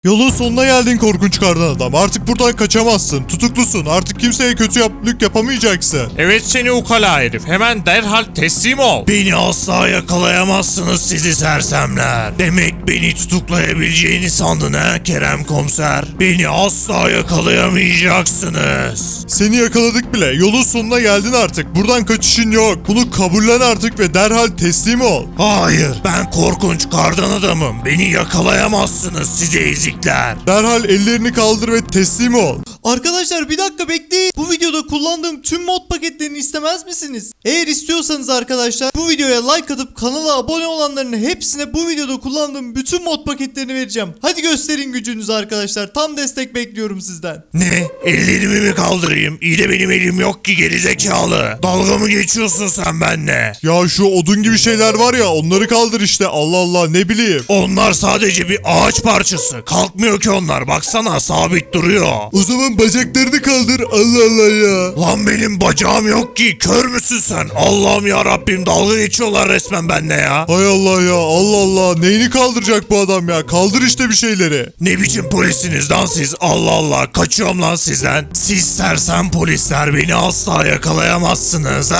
Yolun sonuna geldin korkunç kardan adam. Artık buradan kaçamazsın. Tutuklusun. Artık kimseye kötülük yapamayacaksın. Evet seni ukala herif. Hemen derhal teslim ol. Beni asla yakalayamazsınız sizi sersemler. Demek beni tutuklayabileceğini sandın ha Kerem komiser. Beni asla yakalayamayacaksınız. Seni yakaladık bile. Yolun sonuna geldin artık. Buradan kaçışın yok. Bunu kabullen artık ve derhal teslim ol. Hayır, ben korkunç kardan adamım. Beni yakalayamazsınız sizi ezikler. Derhal ellerini kaldır ve teslim ol. Arkadaşlar bir dakika bekleyin. Bu videoda kullandığım tüm mod paketlerini istemez misiniz? Eğer istiyorsanız arkadaşlar bu videoya like atıp kanala abone olanların hepsine bu videoda kullandığım bütün mod paketlerini vereceğim. Hadi gösterin gücünüzü arkadaşlar. Tam destek bekliyorum sizden. Ne? Ellerimi mi kaldırayım? İyi de benim elim yok ki gerizekalı. Dalga mı geçiyorsun sen benimle? Ya şu odun gibi şeyler var ya, onları kaldır işte. Allah Allah, ne bileyim. Onlar sadece bir ağaç parçası. Kalkmıyor ki onlar. Baksana sabit duruyor. O zaman bacaklarını kaldır. Allah Allah ya. Lan benim bacağım yok ki. Kör müsün sen? Allah'ım ya Rabbim, dalga geçiyorlar resmen benimle ya. Hay Allah ya, Allah Allah. Neyini kaldıracak bu adam ya? Kaldır işte bir şeyleri. Ne biçim polisiniz lan siz? Allah Allah, kaçıyorum lan sizden. Siz sersem polisler, beni asla yakalayamazsınız.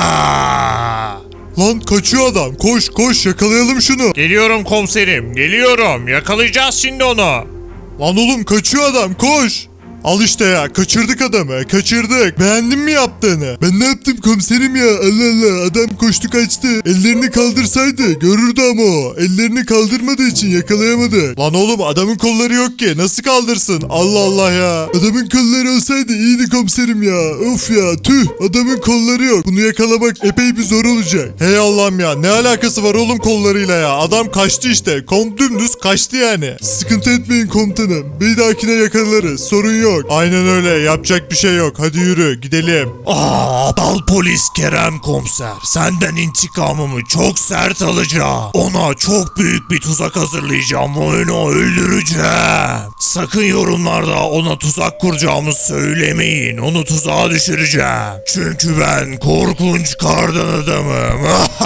Lan kaçıyor adam. Koş koş, yakalayalım şunu. Geliyorum komiserim. Geliyorum. Yakalayacağız şimdi onu. Lan oğlum, kaçıyor adam, koş. Al işte ya, kaçırdık adamı, kaçırdık. Beğendin mi yaptığını? Ben ne yaptım komiserim ya? Allah Allah, adam koştu kaçtı. Ellerini kaldırsaydı görürdü ama o. Ellerini kaldırmadığı için yakalayamadı. Lan oğlum, adamın kolları yok ki, nasıl kaldırsın? Allah Allah ya. Adamın kolları olsaydı iyiydi komiserim ya. Of ya, tüh, adamın kolları yok. Bunu yakalamak epey bir zor olacak. Hey Allah'ım ya, ne alakası var oğlum kollarıyla ya? Adam kaçtı işte, dümdüz kaçtı yani. Sıkıntı etmeyin komutanım, bir dahakine yakalarız, sorun yok. Aynen öyle, yapacak bir şey yok. Hadi yürü gidelim. Aptal polis Kerem komiser. Senden intikamımı çok sert alacağım. Ona çok büyük bir tuzak hazırlayacağım ve onu öldüreceğim. Sakın yorumlarda ona tuzak kuracağımı söylemeyin. Onu tuzağa düşüreceğim. Çünkü ben korkunç kardan adamım.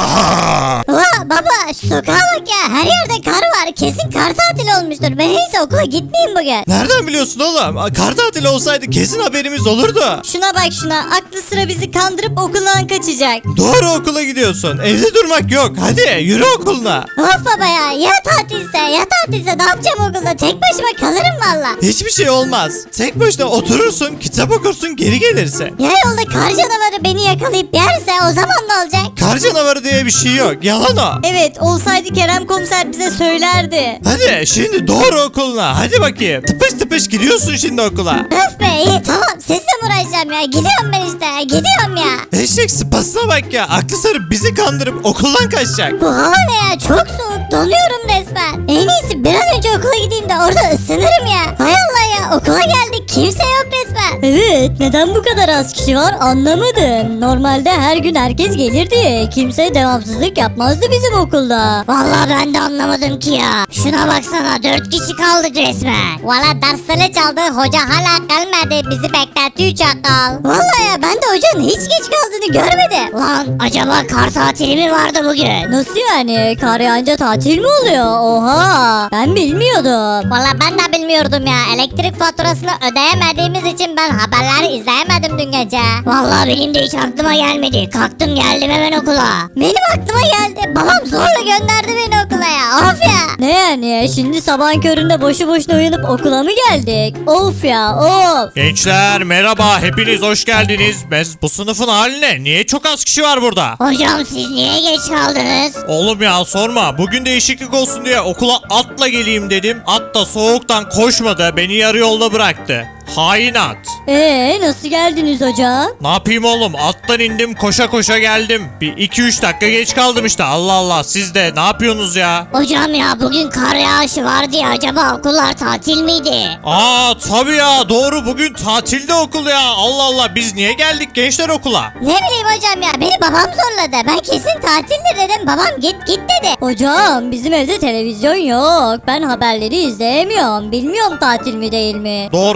Baba şu sokağa bak ya, her yerde kar var, kesin kar tatili olmuştur. Ben hiç okula gitmeyeyim bugün. Nereden biliyorsun oğlum? Kar tatili olsaydı kesin haberimiz olurdu. Şuna bak şuna, aklı sıra bizi kandırıp okuldan kaçacak. Doğru, okula gidiyorsun. Evde durmak yok. Hadi yürü okuluna. Of baba ya tatilse ne yapacağım okulda, tek başıma kalırım valla. Hiçbir şey olmaz. Tek başına oturursun, kitap okursun, geri gelirsin. Ya yolda kar canavarı beni yakalayıp yerse o zaman ne olacak? Kar canavarı diye bir şey yok. Yalan o. Evet, olsaydı Kerem komiser bize söylerdi. Hadi şimdi doğru okuluna. Hadi bakayım. Tıpış tıpış gidiyorsun şimdi okula. Öf be, iyi tamam, sizle mi uğraşacağım ya, gidiyorum ben işte, gidiyorum ya. Eşek sıpasına bak ya. Aklı sarıp bizi kandırıp okuldan kaçacak. Bu hava ne ya, çok soğuk, donuyorum resmen. En iyisi bir an önce okula gideyim de orada ısınırım ya. Hay Allah ya, okula geldik, kimse yok resmen. Evet, neden bu kadar az kişi var anlamadım. Normalde her gün herkes gelirdi. Kimse devamsızlık yapmazdı bizim okulda. Vallahi ben de anlamadım ki ya. Şuna baksana, 4 kişi kaldık resmen. Valla dersleri çaldı, hoca hala gelmedi, bizi bekletiyor çakal. Vallahi ya, ben de hocanın hiç geç kaldığını görmedim. Lan acaba kar tatili mi vardı bugün? Nasıl yani? Kar yağınca tatil mi oluyor? Oha, ben bilmiyordum. Valla ben de bilmiyordum ya. Elektrik faturasını ödeyemediğimiz için ben haberleri izleyemedim dün gece. Vallahi benim de hiç aklıma gelmedi. Kalktım geldim hemen okula. Benim aklıma geldi. Babam zorla gönderdi beni okula ya. Of ya. Ne yani? Şimdi sabahın köründe boşu boşuna uyanıp okula mı geldik? Of ya, of. Gençler merhaba. Hepiniz hoş geldiniz. Bu sınıfın hali ne? Niye çok az kişi var burada? Hocam siz niye geç kaldınız? Oğlum ya sorma. Bugün değişiklik olsun diye okula atla geleyim dedim. At da soğuktan koşmadı. Beni yarı yolda bıraktı. Hain at. Nasıl geldiniz hocam? Ne yapayım oğlum? Attan indim, koşa koşa geldim. Bir 2-3 dakika geç kaldım işte. Allah Allah, siz de ne yapıyorsunuz ya? Hocam ya, bugün kar yağışı vardı ya, acaba okullar tatil miydi? Tabii ya, doğru, bugün tatilde okul ya. Allah Allah, biz niye geldik gençler okula? Ne bileyim hocam ya, beni babam zorladı. Ben kesin tatildir dedim, babam git dedi. Hocam bizim evde televizyon yok. Ben haberleri izleyemiyorum. Bilmiyorum tatil mi değil mi? Doğru, siz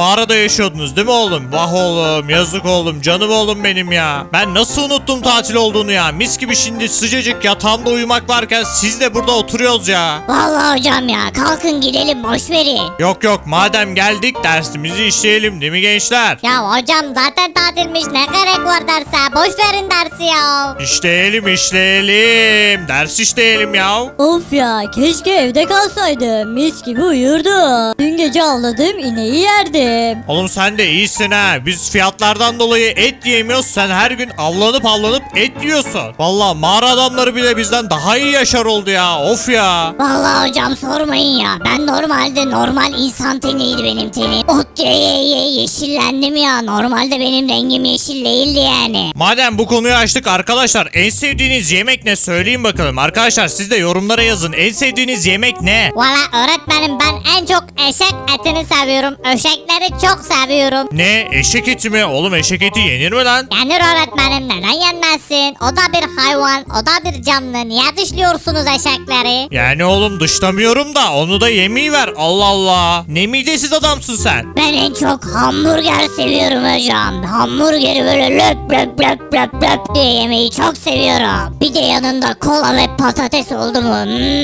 mağarada yaşıyordunuz değil mi oğlum? Vah oğlum, yazık oğlum, canım oğlum benim ya. Ben nasıl unuttum tatil olduğunu ya. Mis gibi şimdi sıcacık yatağımda uyumak varken siz de burada oturuyoruz ya. Vallahi hocam ya kalkın gidelim boş verin. Yok yok, madem geldik dersimizi işleyelim değil mi gençler? Ya hocam zaten tatilmiş ne gerek var derse boş verin dersi ya. İşleyelim. Ders işleyelim ya. Of ya keşke evde kalsaydım. Mis gibi uyurdum. Dün gece avladım ineği yerdim. Oğlum sen de iyisin ha. Biz fiyatlardan dolayı et yiyemiyoruz. Sen her gün avlanıp et yiyorsun. Vallahi mağara adamları bile bizden daha iyi yaşar oldu ya. Of ya. Vallahi hocam sormayın ya. Ben normalde normal insan teniydi benim tenim. Ot ye yeşillendim ya. Normalde benim rengim yeşil değildi yani. Madem bu konuyu açtık arkadaşlar, en sevdiğiniz yemek ne söyleyin bakalım. Arkadaşlar siz de yorumlara yazın. En sevdiğiniz yemek ne? Valla öğretmenim ben en çok eşek etini seviyorum. Eşekleri çok seviyorum. Ne? Eşek eti mi? Oğlum eşek eti yenir mi lan? Yenir öğretmenim neden yenmezsin? O da bir hayvan, o da bir canlı. Niye dışlıyorsunuz eşekleri? Yani oğlum dışlamıyorum da onu da yemeği ver. Allah Allah. Ne midesiz adamsın sen. Ben en çok hamburger seviyorum hocam. Hamburgeri böyle löp löp löp löp löp diye yemeyi çok seviyorum. Bir de yanında kola ve patates oldu mu?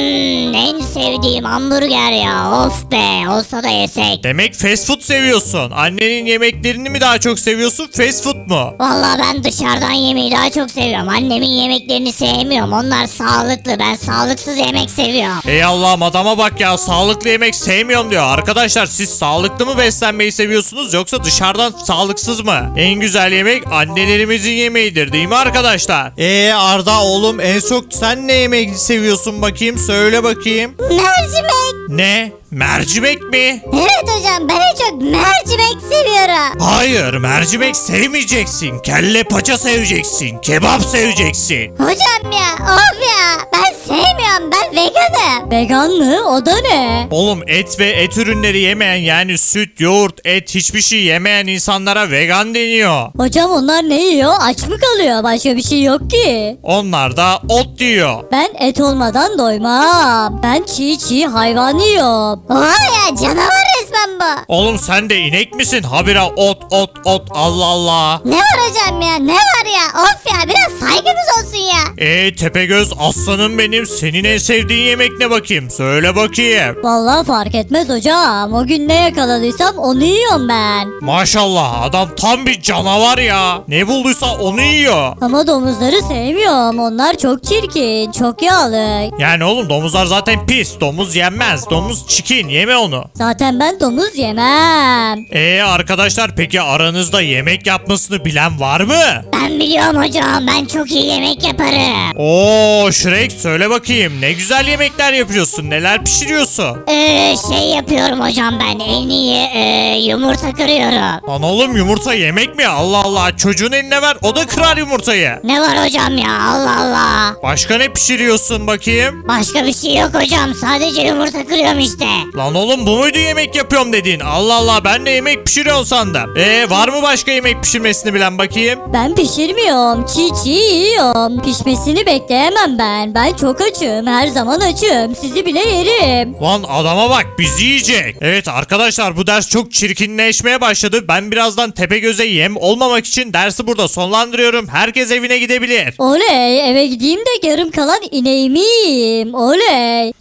En sevdiğim hamburger ya. Of be olsa da yesek. Demek fast food seviyorsun. Annenin yemeklerini mi daha çok seviyorsun, fast food mu? Vallahi ben dışarıdan yemeği daha çok seviyorum. Annemin yemeklerini sevmiyorum. Onlar sağlıklı. Ben sağlıksız yemek seviyorum. Ey Allah'ım, adama bak ya, sağlıklı yemek sevmiyorum diyor. Arkadaşlar siz sağlıklı mı beslenmeyi seviyorsunuz yoksa dışarıdan sağlıksız mı? En güzel yemek annelerimizin yemeğidir değil mi arkadaşlar? Arda oğlum, en çok sen ne yemek seviyorsun bakayım, söyle bakayım. Mercimek. Ne? Mercimek mi? Evet hocam ben en çok mercimek seviyorum. Hayır, mercimek sevmeyeceksin. Kelle paça seveceksin. Kebap seveceksin. Hocam ya of ya ben sevmiyorum ben veganım. Vegan mı? O da ne? Oğlum et ve et ürünleri yemeyen, yani süt, yoğurt, et, hiçbir şey yemeyen insanlara vegan deniyor. Hocam onlar ne yiyor? Aç mı kalıyor? Başka bir şey yok ki. Onlar da ot diyor. Ben et olmadan doymam. Ben çiğ hayvan yiyorum. Oha ya canavar resmen bu. Oğlum sen de inek misin? Habire ot. Allah Allah. Ne var hocam ya ne var ya of ya biraz saygınız olsun ya. Tepegöz aslanım benim. Senin en sevdiğin yemek ne bakayım? Söyle bakayım. Vallahi fark etmez hocam. O gün ne yakaladıysam onu yiyorum ben. Maşallah, adam tam bir canavar ya. Ne bulduysa onu yiyor. Ama domuzları sevmiyorum. Onlar çok çirkin, çok yağlı. Yani oğlum domuzlar zaten pis. Domuz yenmez. Domuz çikin. Yeme onu. Zaten ben domuz yemem. Arkadaşlar peki aranızda yemek yapmasını bilen var mı? Ben biliyorum hocam ben çok iyi yemek yaparım. Oo Shrek, söyle bakayım. Ne güzel yemekler yapıyorsun. Neler pişiriyorsun? Şey yapıyorum hocam ben en iyi yumurta kırıyorum. Lan oğlum, yumurta yemek mi? Allah Allah. Çocuğun eline ver. O da kırar yumurtayı. Ne var hocam ya Allah Allah. Başka ne pişiriyorsun bakayım? Başka bir şey yok hocam sadece yumurta kırıyorum işte. Lan oğlum, bu muydu yemek yapıyorum dediğin? Allah Allah, ben de yemek pişiriyorsun sandım. Var mı başka yemek pişirmesini bilen bakayım? Ben pişirmiyorum. Çiğ yiyorum. Pişmesini bekleyemem ben. Ben çok açım. Her zaman açım. Sizi bile yerim. Lan adama bak, bizi yiyecek. Evet arkadaşlar, bu ders çok çirkinleşmeye başladı. Ben birazdan Tepegöz'e yem olmamak için dersi burada sonlandırıyorum. Herkes evine gidebilir. Oley, eve gideyim de yarım kalan ineğimi yiyeyim. Oley.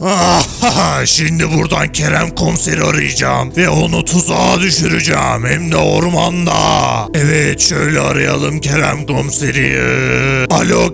Şimdi buradan Kerem komiseri arayacağım ve onu tuzağa düşüreceğim, hem de ormanda. Evet, şöyle arayalım Kerem komiseri. Alo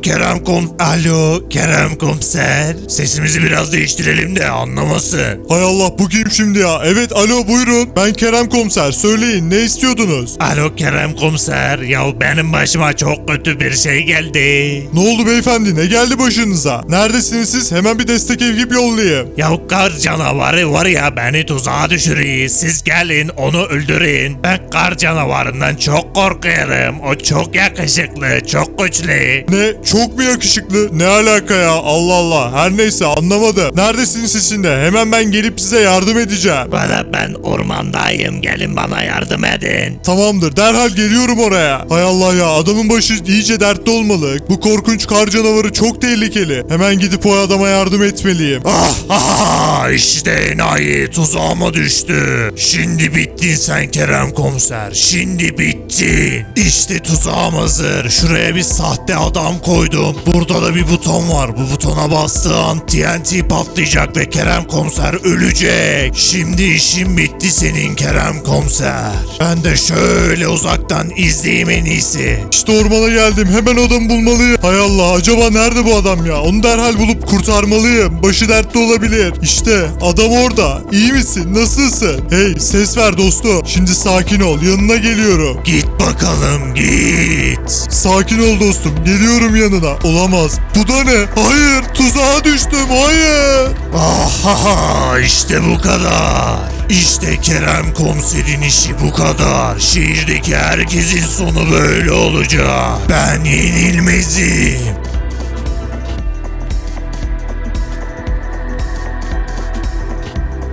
Kerem komiser. Sesimizi biraz değiştirelim de anlamasın. Hay Allah, bu kim şimdi ya? Evet, alo, buyurun. Ben Kerem Komiser. Söyleyin, ne istiyordunuz? Alo Kerem komiser, ya benim başıma çok kötü bir şey geldi. Ne oldu beyefendi? Ne geldi başınıza? Neredesiniz siz? Hemen bir destek ekip yollayayım. Ya kar canavarı var ya, beni tuzağa düşürüyor. Siz gelin onu öldürün. Ben kar canavarından çok korkuyorum. O çok yakışıklı, çok güçlü. Ne? Çok mu yakışıklı? Ne alaka ya? Allah Allah. Her neyse, anlamadım. Neredesiniz siz şimdi? Hemen ben gelip size yardım edeceğim. Bana, ben ormandayım, gelin bana yardım edin. Tamamdır, derhal geliyorum oraya. Hay Allah ya, adamın başı iyice dertte olmalı. Bu korkunç kar canavarı çok tehlikeli. Hemen gidip o adama yardım etmeliyim. İşte enayi tuzağıma düştü. Şimdi bittin sen Kerem komiser. Şimdi bittin. İşte tuzağım hazır. Şuraya bir sahte adam koydum. Burada da bir buton var. Bu butona bastığın TNT patlayacak ve Kerem komiser ölecek. Şimdi işin bitti senin Kerem komiser. Ben de şöyle uzaktan izleyeyim en iyisi. İşte ormana geldim. Hemen adamı bulmalıyım. Hay Allah, acaba nerede bu adam ya? Onu derhal bulup kurtarmalıyım. Başı dertte olabilir. İşte adam orada. İyi misin? Nasılsın? Hey, ses ver dostum. Şimdi sakin ol. Yanına geliyorum. Git bakalım git. Sakin ol dostum. Geliyorum yanına. Olamaz. Bu da ne? Hayır. Tuzağa düştüm. Hayır. Ahaha işte bu kadar. İşte Kerem komiserin işi bu kadar. Şehirdeki herkesin sonu böyle olacak. Ben yenilmezim.